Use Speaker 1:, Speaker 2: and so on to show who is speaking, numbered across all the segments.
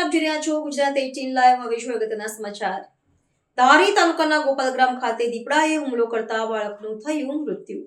Speaker 1: આપ જોઈ રહ્યા છો ગુજરાત 18 લાઈવ. હવે જોઈએ અગત્યના સમાચાર. ધારી તાલુકાના ગોપાલગ્રામ ખાતે દીપડાએ હુમલો કરતા બાળકનું થયું મૃત્યુ.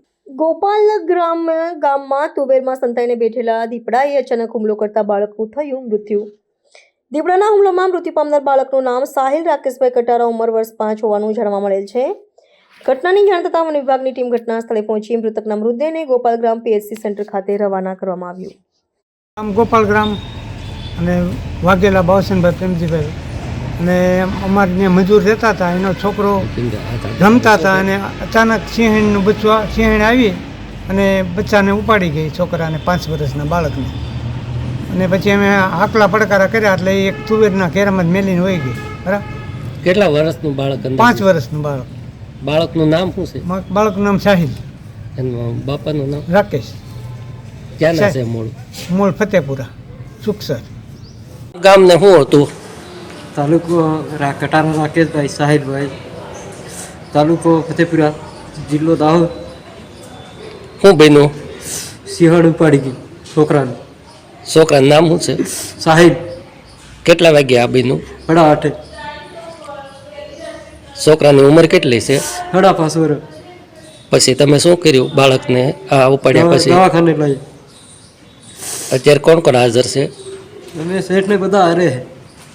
Speaker 1: ગામમાં તુવેરમાં સંતાઈને બેઠેલા દીપડાએ અચાનક હુમલો કરતા બાળકનું થયું મૃત્યુ. દીપડાના હુમલામાં મૃત્યુ પામનાર બાળકનું નામ સાહિલ રાકેશભાઈ કટારા, ઉંમર વર્ષ 5 હોવાનું જાણવા મળેલ છે. ઘટનાની જાણ થતાં વન વિભાગની ટીમ ઘટના સ્થળે પહોંચી મૃતકના મૃતદેહને ગોપાલગ્રામ પીએચસી સેન્ટર ખાતે રવાના કરવામાં આવ્યું.
Speaker 2: આમ ગોપાલગ્રામ અને વાઘેલા બાવસનભાઈ પ્રેમજીભાઈ અને અમારે ત્યાં મજૂર રહેતા હતા. એનો છોકરો રમતા હતા અને અચાનક સિંહણનું બચ્ચું સિંહણ આવી અને બચ્ચાને ઉપાડી ગઈ, છોકરાને 5 વર્ષના બાળકને. અને પછી અમે આકલા પડકારા કર્યા એટલે એક તુવેરના કેરામાં જ મેલીને વહી ગઈ. બરાબર.
Speaker 3: કેટલા વર્ષનું બાળક?
Speaker 2: 5 વર્ષનું બાળક.
Speaker 3: બાળકનું નામ શું છે?
Speaker 2: બાળકનું નામ સાહિલ.
Speaker 3: એનું બાપાનું નામ
Speaker 2: રાકેશ.
Speaker 3: ક્યાંના છે?
Speaker 2: મૂળ ફતેપુરા, સુખસર.
Speaker 3: ગામને શું હતું?
Speaker 4: તાલુકો કટારા રાકેશભાઈ સાહિલભાઈ, તાલુકો ફતેપુરા, જિલ્લો દાહોદ.
Speaker 3: શું બન્યું?
Speaker 4: સિંહણ ઉપાડી ગઈ છોકરાનું.
Speaker 3: છોકરાનું નામ શું છે?
Speaker 4: સાહિલ.
Speaker 3: કેટલા વાગે આ બન્યું?
Speaker 4: 8:30.
Speaker 3: છોકરાની ઉંમર કેટલી છે?
Speaker 4: 5.5 વર્ષ.
Speaker 3: પછી તમે શું કર્યું બાળકને આ ઉપાડ્યા પછી?
Speaker 4: દવાખાને લઈ.
Speaker 3: અત્યારે કોણ કોણ હાજર છે?
Speaker 4: અમે શેઠને બધા હારે.